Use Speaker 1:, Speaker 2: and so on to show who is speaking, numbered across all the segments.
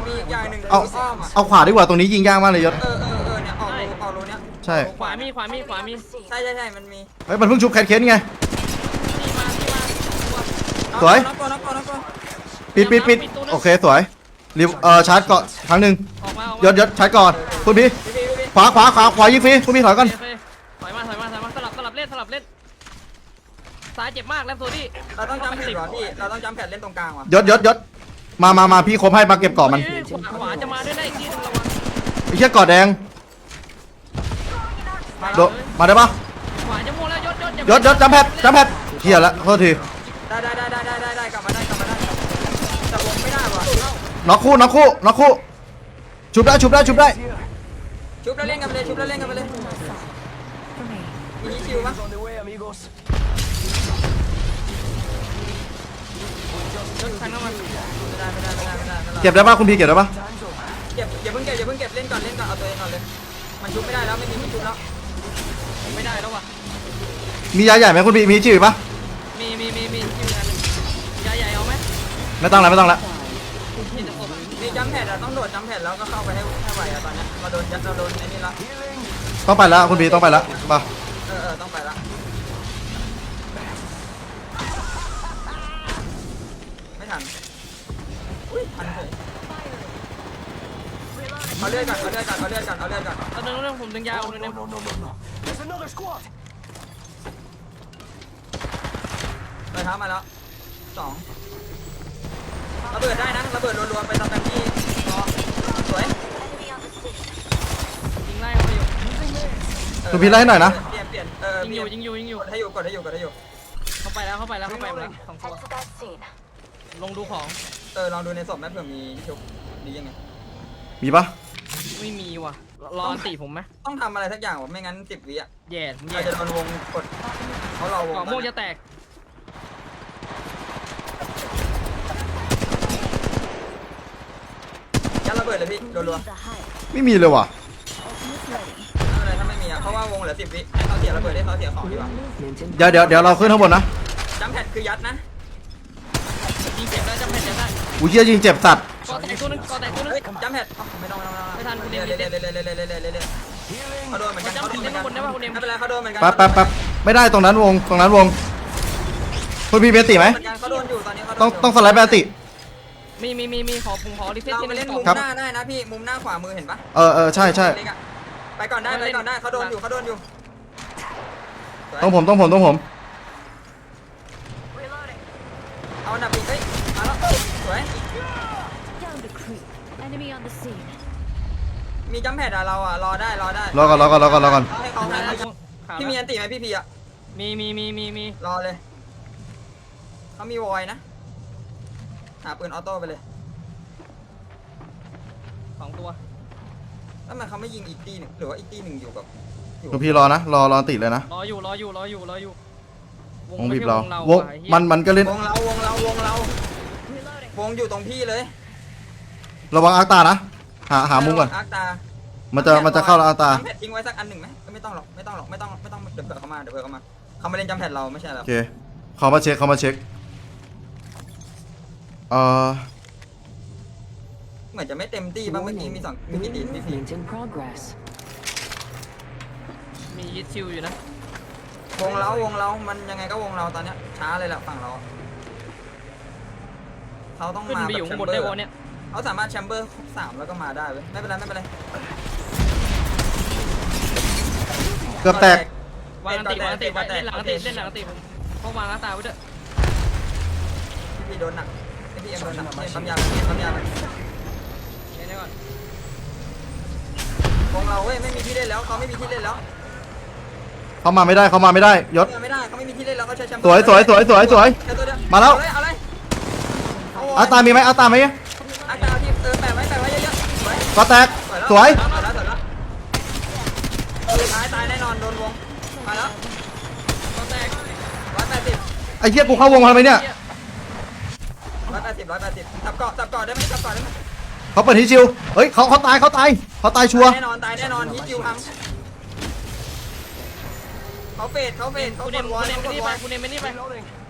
Speaker 1: มีอีกอย่างหนึ่ง
Speaker 2: เอา
Speaker 1: อ้อมอ่ะ
Speaker 2: เอาขวาดีกว่าตรงนี้ยิงยากมากเลยยศ
Speaker 1: เนี่ยออกรูเนี้ย
Speaker 2: ใช่
Speaker 3: ขวามี
Speaker 1: ใช่มันมี
Speaker 2: เฮ้ยมันเพิ่งชุบแคทเค้นไง
Speaker 3: ที่มา
Speaker 2: สวย
Speaker 1: น้องตัว
Speaker 2: ปิดโอเคสวยรีบชาร์จก่อนครั้งหนึ่ง
Speaker 3: ออกมาย
Speaker 2: ศชาร์จก่อนคุณพี่
Speaker 1: พี่
Speaker 2: ขวายิงฟรีคุณพี่ถอยก่อน
Speaker 3: ถอยมาสลับเล่นซ้ายเจ็บมากแล้วโซดี้
Speaker 1: เราต้องจำแผ่นเหรอพี่เราต้องจำแผ่นเล่นตรงกลางว่ะ
Speaker 2: ยศมาพี่ครบให้มาเก็บเกาะมัน
Speaker 3: ขวาจะมาด้วยได้อีกทีนึงระวัง
Speaker 2: ไอ้เชี่ยเกาะแดงมาได้ปะ
Speaker 3: ขวาจะโม่แล้ว
Speaker 2: ยศจำแพทเฮียละโทษที
Speaker 1: ได้กลับมาได้แต่วงไม่ได้ว่ะ
Speaker 2: น็อกคู่ชุบได้
Speaker 1: ชุบแล้วเล่นกันไปเลยมีคิวมั้ย
Speaker 3: ทางน้ำมัน
Speaker 1: ไม่ได้
Speaker 2: เก็บได้ปะคุณพี่เก็บได้ปะ
Speaker 1: อย่าเพิ่งเก็บเล่นก่อนเอาตัวเองก่อนเลยมันชุบไม่ได้แล้วไม่มีชุบแล้ว
Speaker 3: ไม่ได้แล้วว่ะ
Speaker 2: มียาใหญ่ไหมคุณพี่มีชื่อปะ
Speaker 3: มียาใหญ่เอาไหม
Speaker 2: ไม่ต้องละ
Speaker 1: มีจำแผ่นต้องโดดจำแผ่นแล้วก็เข้าไปให้ไหวอะตอนนี้เราโดนไอ้นี่ละ
Speaker 2: ต้องไปแล้วคุณพี่ต้องไปแล้วป่ะ
Speaker 1: ต้องไปละไม่ทันอุ้ยทันเลยเอาเลือดก่อน
Speaker 3: เอาเรื่องผมดึงยาวเลยเนี่ย
Speaker 1: ไปท้ามาแล้ว2ระเบิดได้นะระเบิดรัวๆไปตามกันที่สวย
Speaker 3: ยิงไล่เขาไปอยู่
Speaker 2: คุณพี่ไล่ให้หน่อยนะ
Speaker 1: เปลี่ยน
Speaker 3: ยิงอยู่
Speaker 1: กดให้อยู่
Speaker 3: เข้าไปแล้ว2ตัวลงดูของ
Speaker 1: ลองดูในศพแม่เผื่อมีชุบดียังไง
Speaker 2: มีปะ
Speaker 3: ไม่มีว่ะรอตีผมไหม
Speaker 1: ต้องทำอะไรสักอย่างวะไม่งั้น10 วิอ่ะ
Speaker 3: แย่
Speaker 1: เราจะโดนวงกดเขาเราวง
Speaker 3: ก่อม่วงจะแตก
Speaker 1: ยัดระเบิดเลยพี่รัว
Speaker 2: ไม่มีเลยว่ะ
Speaker 1: ๆอะไรถ้าไม่มีอ่ะเพราะว่าวงเหลือ10 วิให้เขาเสียระเบิดให้เขาเสียของดีกว่า
Speaker 2: เดี๋ยวเราขึ้นข้างบนนะ
Speaker 1: จำแพดคือยัดนะ
Speaker 3: ยิงเจ็บได้จำแผ่นจะได้
Speaker 2: อุ้ยเชี่ยยิงเจ็บสัตว์
Speaker 3: ก่อแตกตัวนึง
Speaker 1: เฮ้ยจำแพดไม่ต้องเรื่อยเขาโดนเหมือนกันไม่เป็นไรเขาโดนเหมือนกัน
Speaker 2: แป๊บไม่ได้ตรงนั้นวงคุณพี่เบติไหม
Speaker 1: เขาโดนอยู่ตอนนี้เขา
Speaker 2: ต้องสไลด์เบติ
Speaker 3: มีขอรีเซ็ต
Speaker 1: เรา
Speaker 3: ที่
Speaker 1: ไป
Speaker 3: นึ
Speaker 1: เล่น
Speaker 3: ง
Speaker 1: มุม
Speaker 2: ครับ
Speaker 1: หน้าได้นะพี่มุมหน้าขวามือเห็นปะ
Speaker 2: ใช่
Speaker 1: ไปก่อนได้เขาโดนอยู่
Speaker 2: ต้องผม
Speaker 1: เอาหนับอีกเฮ้ยมาแล้วสวย มีจัมแพดอะเราอะรอได้
Speaker 2: รอก่อน
Speaker 1: ให้เขาพี่มีอันติไหมพี่อะ
Speaker 3: มี
Speaker 1: รอเลยเขามีวอยนะหาปืนออโต้ไปเลย
Speaker 3: 2 ตัว
Speaker 1: แล้วมันเขาไม่ยิงอีกตีหนึ่งหรือว่าอีกตีหนึ่งอยู่กับ
Speaker 2: คุณพี่รอนะรอติดเลยนะ
Speaker 3: รออยู่
Speaker 2: วงบีบเราวงมันก็เล่น
Speaker 1: วงเราวงอยู่ตรงพี่เลย
Speaker 2: ระวังอาร์ตานะหามุมก่อน
Speaker 1: อาร์ตา
Speaker 2: มันจะเข้าแล้วอาร์ตา
Speaker 1: จัมแพดทิ้งไว้สักอันหนึ่งไหมไม่ต้องหรอกเดี๋ยวเผื่อเขามาเขามาเล่นจัมแพดเราไม่ใช่หรอ
Speaker 2: โอเคเขามาเช็ค
Speaker 1: เหมือนจะไม่เต็มตีบ้างเมื่อกี้มีกี่ตีมี4
Speaker 3: มียิดชิวอยู่นะ
Speaker 1: วงเรามันยังไงก็วงเราตอนเนี้ยช้าเลยแหละฝั่งเราเขาต้อง
Speaker 3: ขึ้น
Speaker 1: มา
Speaker 3: ไป
Speaker 1: แบ
Speaker 3: อยู่
Speaker 1: บแช
Speaker 3: ข้าง
Speaker 1: ม
Speaker 3: บน
Speaker 1: เบอ
Speaker 3: ได้
Speaker 1: ร์
Speaker 3: วะเนี่ย
Speaker 1: เขาสามารถแชมเบอร์3แล้วก็มาได้เว้ยไม่เป็นไร
Speaker 2: เกือบแตก
Speaker 3: วางตีเล่นหลังตีผมเพราะวางตาไว้ด้วย
Speaker 1: พี่โดนหนักพี่เอ็มโดนหนักปั๊มยา
Speaker 3: เดี๋ยวก่อน
Speaker 1: วงเราเว้ยไม่มีที่เล่นแล้วเขาไม่มีที่เล่นแล้ว
Speaker 2: เขามาไม่ได้ยศ
Speaker 1: ไม่ได้เขาไม่มีที่เล่นแล้วเขาใช้แชมเบอ
Speaker 2: สวย
Speaker 1: แค่ตัวเดียว
Speaker 2: มาแล้ว
Speaker 1: เอาเลย
Speaker 2: อาร์ตามีไหม
Speaker 1: อาร์ตาที่แปะไว้เยอะๆ
Speaker 2: ก็แตกสวย
Speaker 1: ตายแน่นอนโดนวงมาแล้ว
Speaker 3: ก็แตก
Speaker 1: 180
Speaker 2: ไอ้เหี้ยกูเข้าวงมาทำไมเนี่ย
Speaker 1: จับเกาะได้ไหม
Speaker 2: เขาเปิดฮิชิวเฮ้ยเขาตายชัวร์
Speaker 1: แน่นอนฮิตจิวพังเขาเฟดเขา
Speaker 3: คุณ
Speaker 1: ก
Speaker 3: เน
Speaker 1: ด
Speaker 3: ม
Speaker 1: วอล
Speaker 3: ไม่นี่ไป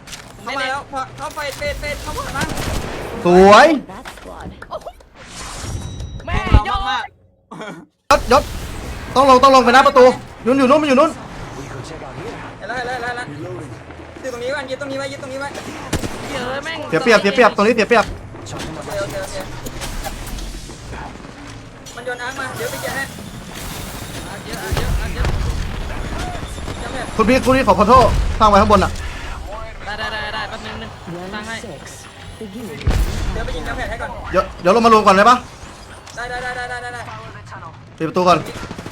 Speaker 1: เข้ามาแล้วเขาไฟเฟดเขาผ่านมา
Speaker 2: สวยยศต้องลงไปหน้าประตูยุ่นอยู่นู้นมันอยู่นู้น
Speaker 1: เห็นแล้วยึดตรงนี้ไว้ยึดตรงนี้ไว้ยึดตรงนี้ไว้
Speaker 3: เยอะแม่ง
Speaker 2: เสียเปรียบตรงนี้เสียเปรียบ
Speaker 1: โอเคมันโยนอาร์คมาเดี๋ยวไปแกะให้
Speaker 3: เยอะเยอะเยอะ
Speaker 1: จำเนี่ย
Speaker 2: คุณพี่ขอโทษสร้างไว้ข้างบนอ่ะ
Speaker 3: ได้แป๊บนึงตั้งให้
Speaker 1: เดี๋ยวไปยิงจำแผ่นให้ก่อน
Speaker 2: เดี๋ยวเรามารวมก่อนได้ปะ
Speaker 1: ได้
Speaker 2: ปิดประตูก่อน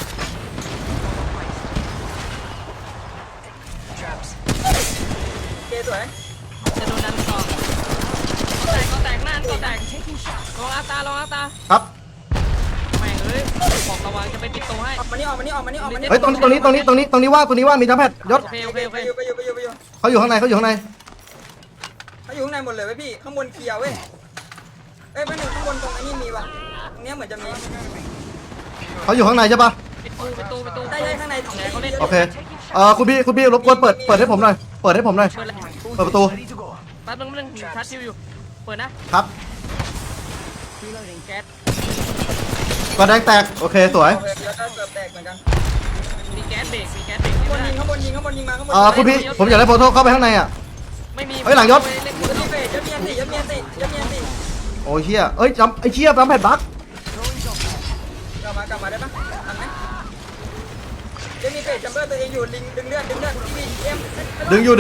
Speaker 1: เกสวย
Speaker 3: จะโดนดันต่อก็แตกหน้าก็แตกลองอาตา
Speaker 2: ครับ
Speaker 3: แม่งเอ้ยบอกระวังจะไปปิดตัวให้
Speaker 1: ออกมานี่
Speaker 2: เฮ้ยตรงนี้ว่ามีจัมแพดยศ
Speaker 3: โอเค
Speaker 1: ไปอยู่
Speaker 2: เขาอยู่ข้างใน
Speaker 1: เขาอยู่ข้างในหมดเลยเว้ยพี่ข้างบนเคลียร์เว้ยเอ้ยไม่หนึ่งข้างบนตรงนี้มีว่ะตรงนี้เหมือนจะมี
Speaker 2: เขาอยู่ข้างในใช่ปะ
Speaker 3: ปิดตู้
Speaker 1: ได้ข้างใน
Speaker 3: ไหนเขาเล่น
Speaker 2: โอเคคุณพี่รบกวนเปิดให้ผมหน่อยเปิดประตู
Speaker 3: แป๊บนึงชาร์จชิวอยู่เปิดนะครับ แก๊ส
Speaker 2: ก็แดงแตกโอเคสวย
Speaker 1: โอเคแล้วก็เกือบแตกเหมือนกัน
Speaker 3: มีแก๊สเบรก
Speaker 1: ข้างบนยิงมาข้างบน
Speaker 2: คุณพี่ผมอยากได้โฟโต้เข้าไปข้างในอ่ะ
Speaker 3: ไม่มี
Speaker 2: เฮ้ยหลังยศ
Speaker 1: ยัดมีอันติ
Speaker 2: โอ้ยเชี่ยเอ้ยจัมแพดบั๊ก
Speaker 1: กลับมาได้ปะทันไหมยัดมีเฟสจัมเบอร์ตัวเองอยู่ลิงดึงเลือดพี่เอ็ม
Speaker 2: ดึงอยู่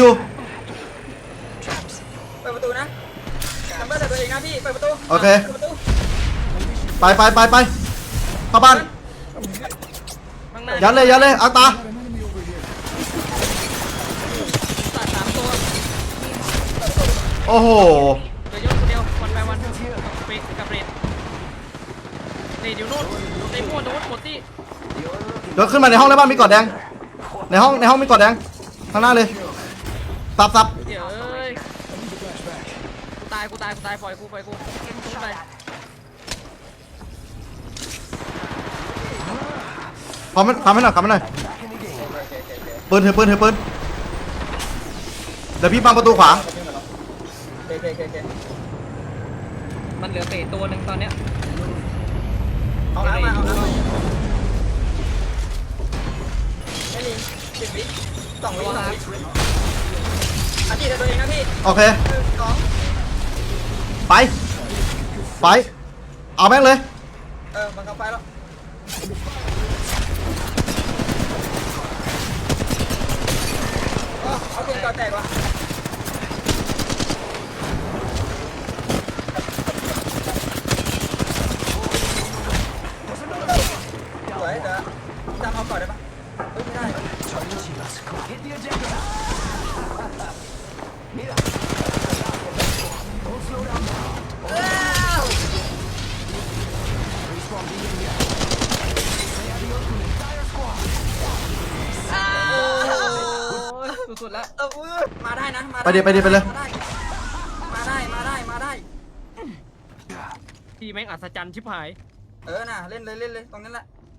Speaker 1: เปิดประตูนะจัมเบอร์แต่ตัวเองนะพี่เปิดประตู
Speaker 2: โอเคไปเข้าบ้าน
Speaker 3: ข้างหน้า
Speaker 2: ยัดเลยอังตา
Speaker 3: ตัด3ตัว
Speaker 2: โอ้โห
Speaker 3: เดี๋ยวยกคนเดียววันไปวันเบรกกับเรดอยู่โน่นในมั่วโน้ตหมดที่
Speaker 2: เดี๋ยวขึ้นมาในห้องได้ป่ะมีกอดแดงในห้องมีกอดแดงข้างหน้าเลยซับ
Speaker 3: เดี๋ยวเอ้ยกูตายปล่อยกูไป
Speaker 2: พร้อมให้หน่อยปืนเถอะปืนเดี๋ยวพี่บังประตูขวา
Speaker 1: โอเค
Speaker 3: มันเหลือเตะตัวหนึ่งตอนเนี้ย
Speaker 1: เอาน้ำมาไม่มี10 วิ2 วิอาทิตย์แต่ตัวเองนะพี่
Speaker 2: โอเค
Speaker 1: 2
Speaker 2: ไปเอาแม่งเลย
Speaker 1: มันเข้าไฟแล้วเอาเพียงก่อนแตกว่ะสวยเดี๋ยวจำเอาก่อนได้ปะไม่ได้
Speaker 3: สุดๆแล้ว
Speaker 1: มาได้นะ
Speaker 2: ไปดิเลย
Speaker 1: มาได้
Speaker 3: ทีแม่งอัศจรรย์ชิบหาย
Speaker 1: น่ะเล่นเลยตรงนั้นแหละ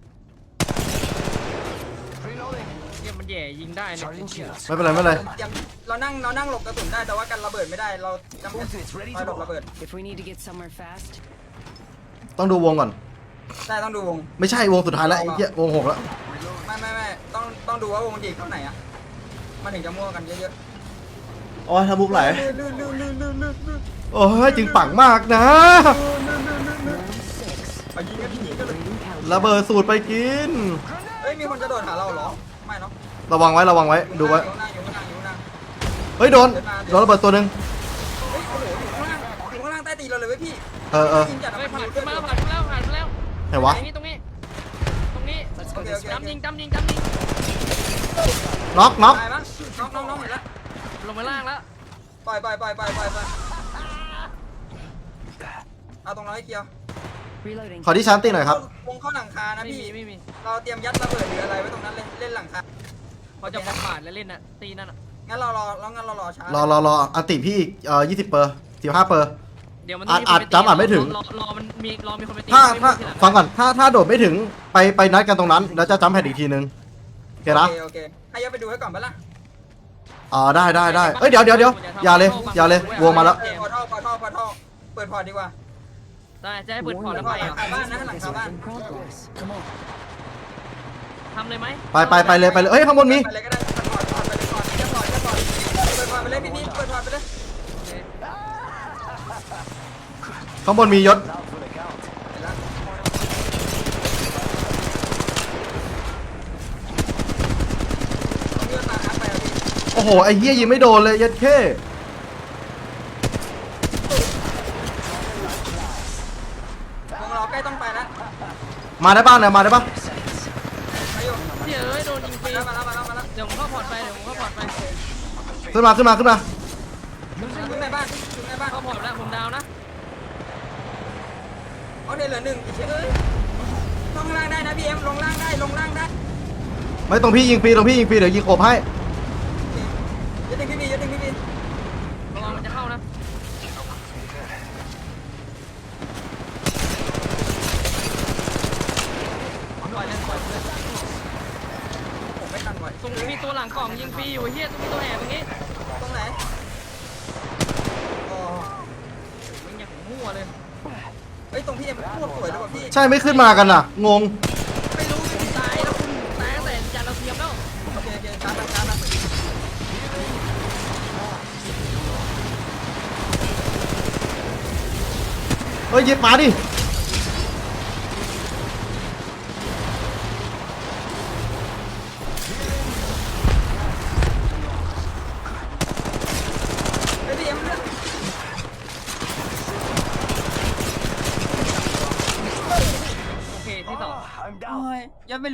Speaker 3: เนี่ยมันแย่ยิงได้เนี่ย
Speaker 2: ไม่เป็นไร
Speaker 1: เรานั่งหลบกระสุนได้แต่ว่ากันระเบิดไม่ได้เราจำเป็นคอยหลบระเบิด
Speaker 4: If we need to get somewhere fast,
Speaker 2: ต้องดูวงก่อน
Speaker 1: ได้ต้องดูวง
Speaker 2: ไม่ใช่วงสุดท้ายแล้วไอ้เหี้ยวง6แล้ว
Speaker 1: ไม่ต้องดูว่าวงดีเท่าไหนอ่ะมันถึงจะมั่วกันเยอะ
Speaker 2: โอ้ยทำบุกไหล
Speaker 1: ๆลื่น
Speaker 2: โอ้ยจึงปังมากนะ
Speaker 1: ไปยิงกันเลย
Speaker 2: ระเบิดสูตรไปกิน
Speaker 1: เฮ้ยมีคนจะโดดหาเราเหรอไม่เนาะ
Speaker 2: ระวังไว้ดูไว้
Speaker 1: อยู่ข้างล่าง
Speaker 2: เฮ้ยโดนระเบิดตัวหนึ่ง
Speaker 1: เฮ้ยโอ้โหอยู่ข้างล่างใต้ตีนเราเลยเว้ยพี่
Speaker 2: เออ
Speaker 1: ยิงจัด
Speaker 3: เฮ้ย
Speaker 1: มัน
Speaker 3: ผ่าน
Speaker 1: อยู่
Speaker 3: มา
Speaker 1: เพื่อน
Speaker 3: ผ่านมาแล้ว
Speaker 2: ไหนวะ
Speaker 3: ตรงนี้จำยิง
Speaker 2: น็อก
Speaker 1: ตายมั้งน้องเห็นแล้ว
Speaker 3: ลงมาล่างแล้ว
Speaker 1: ปล่อยเอาตรงเราให้เกียว
Speaker 4: reloading.
Speaker 2: ขอที่ชาร์จตีหน่อยครับ
Speaker 1: วงเข้าหลังคานะ
Speaker 3: ไม่
Speaker 1: พี่
Speaker 3: มี
Speaker 1: เราเตรียมยัดระเบิดหรืออะไรไว้ตรงนั้นเลยเล่นหลังคา
Speaker 3: เขาจะผ่านแล้วเล่นน่ะตีนั่นอ่ะ
Speaker 1: งั้นเรารอช้าร
Speaker 2: ออันติพี่อีก20 เปอร์15 เปอร์
Speaker 3: เดี๋ยวมัน
Speaker 2: อาจจำไม่ถึง
Speaker 3: รอมันมีคนไปตี
Speaker 2: ถ้าฟังก่อนถ้าโดดไม่ถึงไปนัดกันตรงนั้นแล้วจะจัมแพดอีกทีนึงโอเคนะ
Speaker 1: โอเคให้ยัดไปดูให้ก่อนปะล่ะ
Speaker 2: ได้เอ้ยเดี๋ยวอย่าเลยวงมาแล้ว
Speaker 1: พอท่อเปิดพอร์ตดีกว่า
Speaker 3: แต่ได้จะให้เปิดพอร์ต
Speaker 1: แล้
Speaker 3: แล้ว ว
Speaker 1: ก็
Speaker 3: ไป
Speaker 1: หลังคาบ้านนะหลังคาบ้าน
Speaker 4: In progress. Come on.
Speaker 3: ทำเลยไหม
Speaker 2: ไปเลยเอ้ยข้างบนมี
Speaker 1: ไปเลยก็ได้ถอดไปเลยก่อนจะถอดเปิดถอดไปเลยพี่เปิดถอดไปเลย
Speaker 3: โอเค
Speaker 2: ข้างบนมียศ
Speaker 1: เลื่อนมาอัพไปอ่ะพี่
Speaker 2: โอ้โหไอ้เหี้ยยิงไม่โดนเลยยัดเข้
Speaker 1: วงล้อใกล้ต้องไปแล้ว
Speaker 2: มาได้ป่ะเนี่ยมาได้ป่ะ
Speaker 1: ไปอยู่
Speaker 3: เดี๋ยวโดนยิงฟรี
Speaker 1: มาแล้ว
Speaker 3: เดี๋ยวผมเข้าพอร์ตไปเดี๋ยวผมเข้าพอร์ตไป
Speaker 2: ขึ้นมา
Speaker 1: ขึ้นในบ้าน
Speaker 3: เข้าพอร์ตแล้วผมดาวนะ
Speaker 1: เอาเดี๋ยวเหลือหนึ่งเฉยลงล่างได้นะพี่เอ็มลงล่างได้
Speaker 2: ไม่ตรงพี่ยิงฟรีเดี๋ยวยิงอบให้
Speaker 1: อย่าดึงพี่บี
Speaker 3: ระวังมันจะเข้านะ
Speaker 1: ปล่อยเลยผมไม่ทันไหว
Speaker 3: ตรงนี้มีตัวหลังกล่องยิงฟรีอยู่เฮียต้องมีตัวแอบตรงนี้
Speaker 1: ตรงไหนอ๋อ
Speaker 3: มึงอย่างมั่วเลย
Speaker 1: เฮ้ยตรงพี่เอ็มโคตรสวยเลยว่ะพี่
Speaker 2: ใช่ไม่ขึ้นมากันน่ะงง
Speaker 3: ไม่รู้คุณตายแล้วคุณตายตั้งแต่จานเราเทียมแล้ว
Speaker 1: โอเคชาร์จ
Speaker 2: เฮ้ยยิงมาดิ
Speaker 1: ม